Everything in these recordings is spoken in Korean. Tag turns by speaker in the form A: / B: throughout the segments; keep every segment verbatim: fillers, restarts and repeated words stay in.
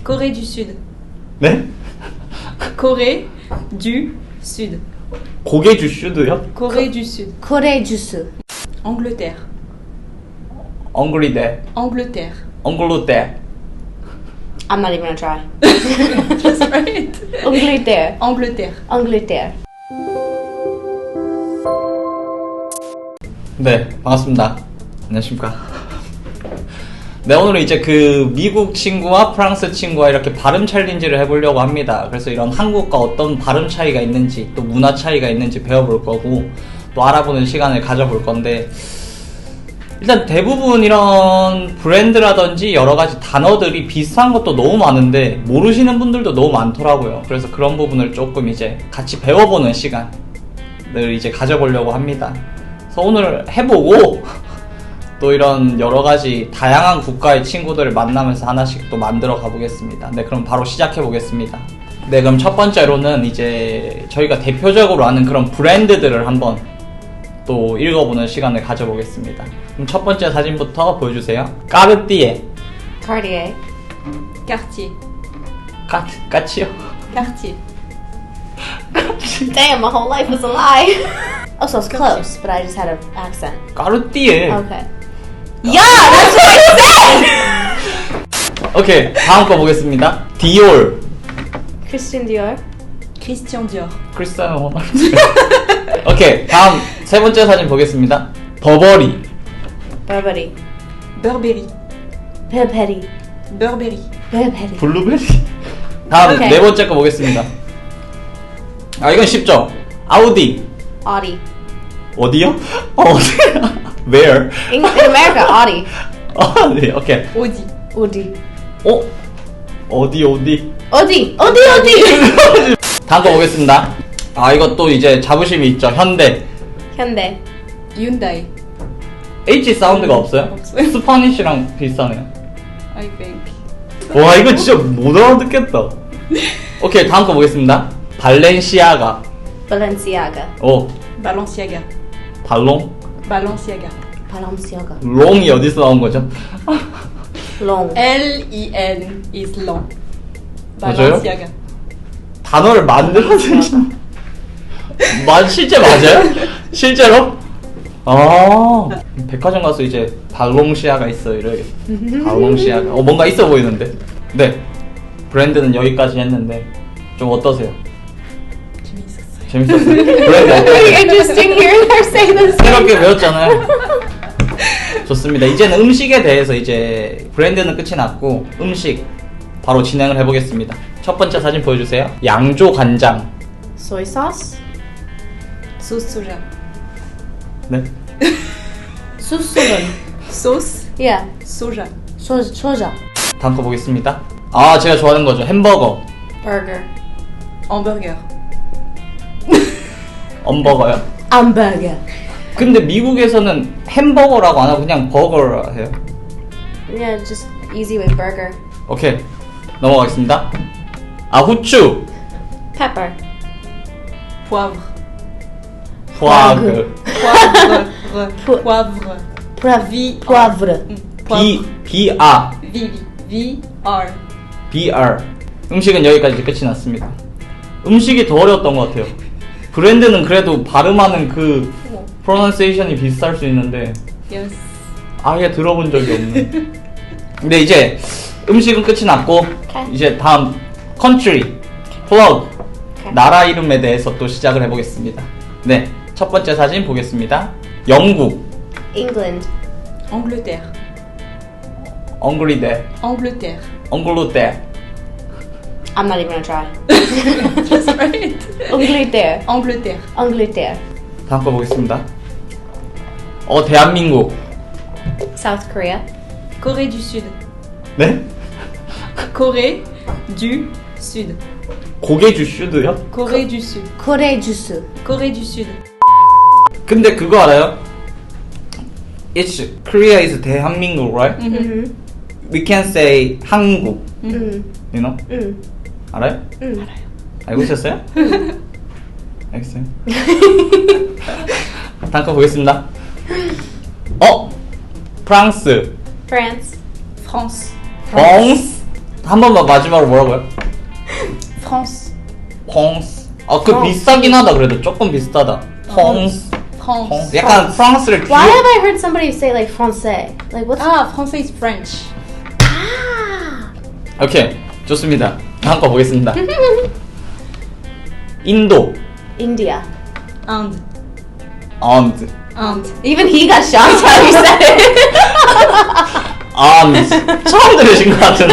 A: Corée du Sud.
B: 네?
A: Corée du Sud.
B: 고개 주슈드요?
A: Corée du Sud.
C: Corée du Sud.
A: Angleterre.
B: 엉글리데
A: Angleterre.
B: 엉글로데
C: I'm not even gonna try.
A: That's right.
C: Angleterre.
A: Angleterre.
C: Angleterre.
B: 네, 반갑습니다. 안녕하십니까. 네, 오늘은 이제 그 미국 친구와 프랑스 친구와 이렇게 발음 챌린지를 해보려고 합니다. 그래서 이런 한국과 어떤 발음 차이가 있는지, 또 문화 차이가 있는지 배워볼 거고, 또 알아보는 시간을 가져볼 건데, 일단 대부분 이런 브랜드라든지 여러 가지 단어들이 비슷한 것도 너무 많은데, 모르시는 분들도 너무 많더라고요. 그래서 그런 부분을 조금 이제 같이 배워보는 시간을 이제 가져보려고 합니다. 그래서 오늘 해보고, 또 이런 여러 가지 다양한 국가의 친구들을 만나면서 하나씩 또 만들어 가보겠습니다. 네, 그럼 바로 시작해 보겠습니다. 네, 그럼 첫 번째로는 이제 저희가 대표적으로 아는 그런 브랜드들을 한번 또 읽어보는 시간을 가져보겠습니다. 그럼 첫 번째 사진부터 보여주세요. 까르띠에.
C: Cartier.
A: Cartier.
B: 까, 까치요?
A: Cartier.
C: Damn, my whole life was a lie. Oh, so it's close, but I just had an accent.
B: 까르띠에.
C: Okay. Yeah, that's what I said!
B: 오케이, 다음 거 보겠습니다. 디올.
C: Christian Dior.
A: Christian Dior.
B: 크리스티아노 호날두. 오케이, 다음 세 번째 사진 보겠습니다. 버버리.
C: Burberry.
A: Burberry.
C: Burberry.
A: Burberry.
C: Burberry.
B: 블루베리. 다음
C: 오케이.
B: 네 번째 거 보겠습니다. 아, 이건 쉽죠? 아우디.
C: Audi.
B: 어디요? 어, 어디? Where?
C: In, in America, Audi.
B: 아, 네, 오케이.
A: Audi.
C: Audi.
B: 어? 어디, 어디?
C: Audi. Audi, Audi.
B: 다음 거 보겠습니다. 아, 이것도 이제 자부심이 있죠. 현대.
C: Hyundai.
A: Hyundai.
B: H 사운드가 없어요?
A: 없어요.
B: 스파니쉬랑 비슷하네요.
A: I think.
B: 와, 이거 진짜 못 알아듣겠다. 오케이, 다음 거 보겠습니다. 발렌시아가.
C: Balenciaga.
B: 오,
A: Balenciaga.
B: 발롱?
A: Balenciaga.
C: Balenciaga.
B: 롱이 어디서 나온 거죠?
C: Long.
A: L I N is long.
B: 맞아요?
A: Balenciaga.
B: 단어를 만들어내신 마, 실제 맞아요? 실제로? 아, 백화점 가서 이제 발롱시아가 있어 이러겠어. 발롱시아가. 어, 뭔가 있어 보이는데. 네, 브랜드는 여기까지 했는데 좀 어떠세요?
A: 재밌었어요.
B: 재밌었어요? 브랜드 어떠세요?
C: Interesting hearing her say this.
B: 새롭게 배웠잖아요. 좋습니다. 이제는 음식에 대해서 이제 브랜드는 끝이 났고 음식 바로 진행을 해보겠습니다. 첫 번째 사진 보여주세요. 양조 간장.
C: Soy sauce.
A: Sauce soja.
B: 네.
C: Susugan.
A: Sauce
C: Yeah.
A: soja.
C: Soja. Soja.
B: 다음 거 보겠습니다. 아, 제가 좋아하는 거죠. 햄버거.
C: Burger.
A: Hamburger.
B: 엄버거요.
C: Hamburger.
B: 근데 미국에서는 햄버거라고 안 하고 그냥 버거라 해요.
C: Yeah, just easy with burger.
B: 오케이, 넘어가겠습니다. 아, 후추.
C: Pepper.
A: Poivre.
B: 포아그.
A: Poivre.
C: Po-
A: Poivre.
C: Poivre.
A: V.
C: Poivre.
A: Mm,
B: 비,
A: Poivre.
B: 비아.
A: V. V. V. R.
B: 비알. 음식은 여기까지 끝이 났습니다. 음식이 더 어려웠던 것 같아요. 브랜드는 그래도 발음하는 그
A: 뭐.
B: 프로넌세이션이 비슷할 수 있는데
A: Yes.
B: 아예 들어본 적이 없네. 근데 이제 음식은 끝이 났고
C: Okay.
B: 이제 다음 컨트리, 플러그,
C: Okay.
B: 나라 이름에 대해서 또 시작을 해보겠습니다. 네, 첫 번째 사진 보겠습니다. 영국.
C: England.
A: Angleterre.
B: 엉글리데.
A: Angleterre.
B: 엉글로데.
C: I'm not even gonna try.
A: That's right.
C: Angleterre.
A: Angleterre.
C: Angleterre.
B: 다음 거 보겠습니다. 어, 대한민국.
C: South Korea.
A: Corée du Sud.
B: 네?
A: Corée du Sud.
B: 고개 주슈드요?
A: Corée du Sud.
C: Corée du Sud.
A: Corée du Sud.
B: 근데 그거 알아요? It's Korea is 대한민국, right?
C: Mm-hmm.
B: We can say 한국,
C: Mm.
B: you know?
C: Mm.
B: 알아요?
C: Mm.
B: 알고 있었어요? 알겠어요. 다음 거 보겠습니다. 어? 프랑스.
C: France.
A: France.
B: 프랑스. 한 번만 마지막으로 뭐라고요?
C: France.
B: 퐁스. 아, 그
C: 퐁스.
B: 비싸긴 하다. 그래도 조금 비슷하다. 퐁스.
A: France.
B: 퐁스. 약간 프랑스를
C: Why
B: 귀여-
C: have I heard somebody say like français? Like what's
A: Ah, français is French.
C: ah?
B: 오케이, 좋습니다. 다음 거 보겠습니다. 인도.
C: India.
A: Inde.
B: 언드.
A: Inde.
C: Even he got shocked how you said it.
B: 언드. 처음 들으신 것 같은데.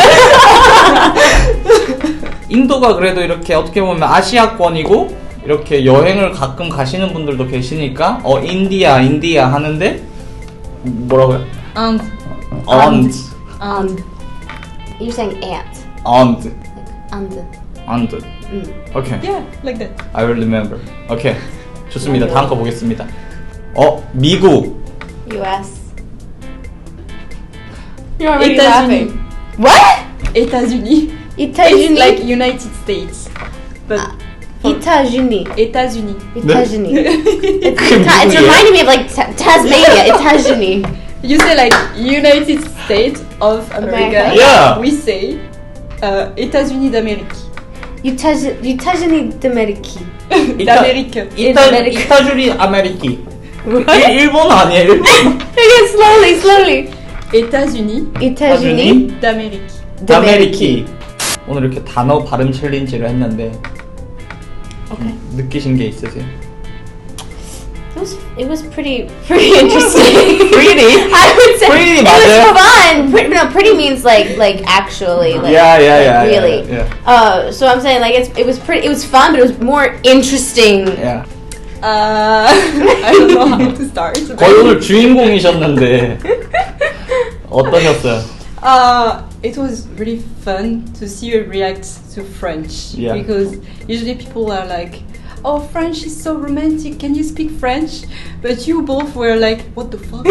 B: 인도가 그래도 이렇게 어떻게 보면 아시아권이고 이렇게 여행을 가끔 가시는 분들도 계시니까 어 인디아 인디아 하는데 뭐라고요?
A: Inde.
B: 언드.
A: Inde.
C: You're saying ant.
B: 언드.
C: And.
B: 언드.
C: Mm.
B: 오케이.
A: Yeah, like that.
B: I will remember. 오케이. 좋습니다. 다음 거 보겠습니다. 어 미국.
C: U S.
A: You're already laughing.
C: What?
A: États-Unis. It's
C: États-Unis.
A: like United States. But
C: États-Unis.
A: États-Unis.
C: États-Unis. It's,
B: 그게
C: Ta- it's
B: 미국이에요?
C: reminding me of like Ta- Tasmania. États-Unis.
A: You say like United States of America.
C: America.
B: Yeah.
A: We say uh, États-Unis d'Amérique.
C: États- États-Unis d'Amérique.
A: D'Amérique.
B: 이타
C: 아메리카.
B: 이타주리 아메리키. 일, 일본 아니에요? 일본.
C: Again, slowly, slowly.
A: États-Unis
C: États-Unis
A: d'Amérique.
B: 아메리키. 오늘 이렇게 단어 발음 챌린지를 했는데
C: Okay.
B: 느끼신 게 있으세요?
C: It was it was pretty pretty interesting.
B: Pretty?
C: I would say
B: Pretty
C: it
B: 맞아요?
C: was fun. Pretty, no, pretty means like like actually like
B: Yeah, yeah, yeah,
C: like,
B: yeah,
C: really.
B: yeah.
C: Uh, so I'm saying like it's it was pretty it was fun, but it was more interesting.
B: 야,
A: Uh, I don't know how to start.
B: 거의 오늘 주인공이셨는데 어떠셨어요?
A: Uh, it was really fun to see you react to French.
B: Yeah.
A: Because usually people are like, oh, French is so romantic, can you speak French? But you both were like, what the fuck?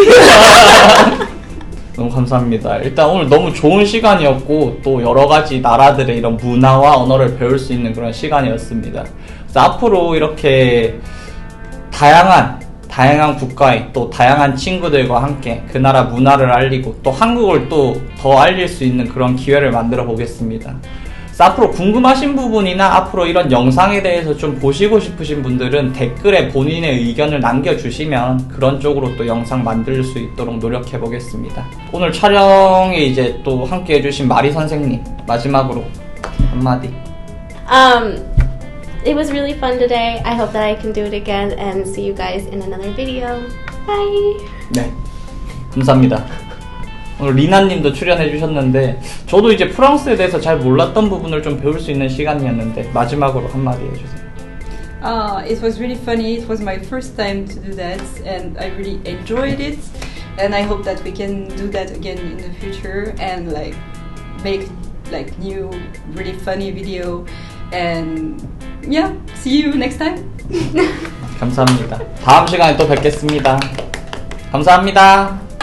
B: 너무 감사합니다. 일단 오늘 너무 좋은 시간이었고 또 여러 가지 나라들의 이런 문화와 언어를 배울 수 있는 그런 시간이었습니다. 그래서 앞으로 이렇게 다양한 다양한 국가의 또 다양한 친구들과 함께 그 나라 문화를 알리고 또 한국을 또 더 알릴 수 있는 그런 기회를 만들어 보겠습니다. 그래서 앞으로 궁금하신 부분이나 앞으로 이런 영상에 대해서 좀 보시고 싶으신 분들은 댓글에 본인의 의견을 남겨주시면 그런 쪽으로 또 영상 만들 수 있도록 노력해 보겠습니다. 오늘 촬영에 이제 또 함께 해주신 마리 선생님 마지막으로 한마디.
C: Um, it was really fun today. I hope that I can do it again and see you guys in another video. Bye.
B: 네, 감사합니다. 오늘 리나님도 출연해 주셨는데 저도 이제 프랑스에 대해서 잘 몰랐던 부분을 좀 배울 수 있는 시간이었는데 마지막으로 한마디 해주세요.
A: Uh, it was really funny. It was my first time to do that, and I really enjoyed it. And I hope that we can do that again in the future and like make like new, really funny video. And yeah, see you next time.
B: 감사합니다. 다음 시간에 또 뵙겠습니다. 감사합니다.